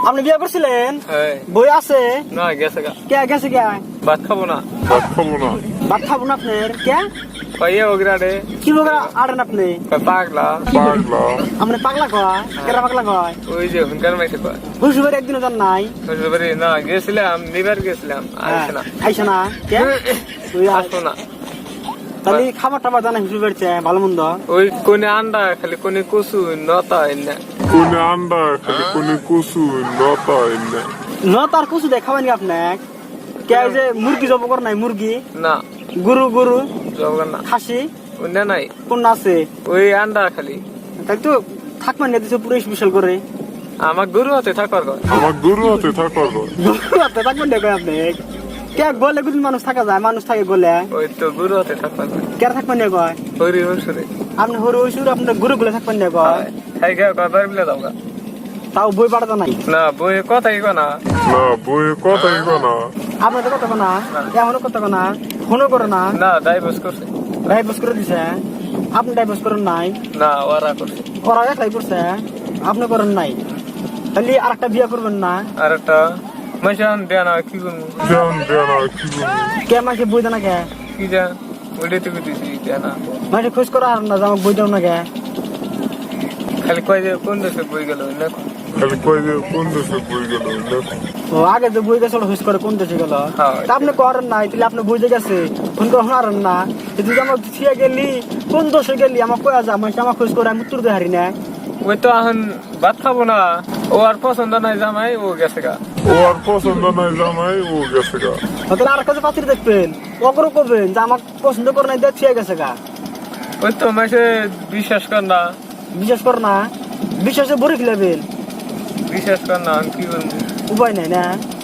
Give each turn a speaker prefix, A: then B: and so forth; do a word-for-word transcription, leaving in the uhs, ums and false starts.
A: আপনি বিয়ে করছিলেন?
B: হ্যাঁ।
A: বই আছে?
B: না গেছে গা।
A: কে গেছে কে?
B: ভাত খাবো না।
C: ভাত খাবো না।
A: ভাত খাবো না আপনার কে?
B: কইয়ে ওগরাডে
A: কি বগা আড়েন আপনি?
B: পাগলা।
C: পাগলা।
A: আপনি পাগলা কয়? কেরা পাগলা কয়?
B: ওই যে হুনকার মাইতে কয়।
A: হুজুরের একদিনও জান নাই?
B: শ্বশুরবাড়ি না গেছিলাম, নিবার গেছিলাম, আইসে না।
A: আইসে না কে? ওই
B: আসবো না।
A: তাহলে খাবার টাবার জানা হুজুরের চেয়ে ভালো মন্দ?
B: ওই কোনে আন্ডা খালি কোনে কচু নতা এনে।
C: কোনে আন্ডা খালি কোনে কচু লতা এনে।
A: ন তার কুচু দেয় খাবেন আপনি? কে ওই যে মুরগি জব করে নাই মুরগি?
B: না
A: গরু গরু
B: জবগান না।
A: খাসি
B: ওনে নাই।
A: কোন আছে?
B: ওই আন্ডা খালি।
A: তাই তো থাকবেন না দিছে পুরো স্পেশাল করে।
B: আমার গরু হাতে থাকার কয়।
C: আমার গরু হাতে থাকার কয়।
A: গরু হাতে থাকবেন না কয় আপনি? কে গলে গুলি মানুষ থাকা যায়, মানুষ থাকে গলে।
B: ওই তো গরু হাতে থাকার কয়।
A: কে থাকবেন না কয়?
B: হরি হসুরে।
A: আপনি হরু হইসুর আপনার গরু গুলো থাকবেন না কয়?
B: খাই গা কয় বার বিলে দাও গা।
A: তাও বই পাঠাতে নাই।
B: না বই কথাই কয় না।
C: না বইয়ে কথাই কয় না।
A: আপনার তো কথা না, এমনও কথা না, ফোনও করে না।
B: না ডাইভোর্স করছে।
A: ডাইভোর্স করে দিছে, আপনি ডাইভোর্স করেন নাই।
B: না ওরা করছে।
A: ওরা একলাই করছে, আপনি করেন নাই। তাহলে আর একটা বিয়ে করবেন না?
B: আর একটা মাইশান দেয়া না কি করবো।
C: জান দেনা কি করবো?
A: কে মাকে বই দেয় না কে?
B: কি যা ওইটাই তো দিছি দেয়া না।
A: মাকে খোঁজ করা আর না, আমাকে বই দাও না কে?
B: খালি কয় যে কোন দেশে বই গেল না।
C: খালি কয় যে কোন দেশে বই গেল না।
A: ও আগে যে বই গেছে খোঁজ করে কোন দেশে গেল।
B: হ্যাঁ।
A: তা আপনি করেন নাই, তাহলে আপনি বই যে গেছে ফোন করে হারেন না। তুই আমার ছিয়া গেলি কোন দেশে গেলি আমার কয়া যা, মানে আমার খোঁজ করে আমি উত্তর দিয়ে হারি না।
B: ওই তো এখন ভাত খাবো না। ও আর পছন্দ নাই জামাই, ও গেছে গা।
C: ও আর পছন্দ নাই জামাই, ও গেছে গা।
A: তাহলে আর কাছে পাত্রী দেখবেন, ওকে করবেন যে আমার পছন্দ করে নাই, দিয়ে ছিয়া গেছে গা।
B: ওই তো মাসে বিশ্বাস কর না।
A: বিশ্বাস কর না, বিশ্বাসে ভরে ফেলাবেন,
B: বিশ্বাস কর না কি করবো।
A: উপায় নাই না।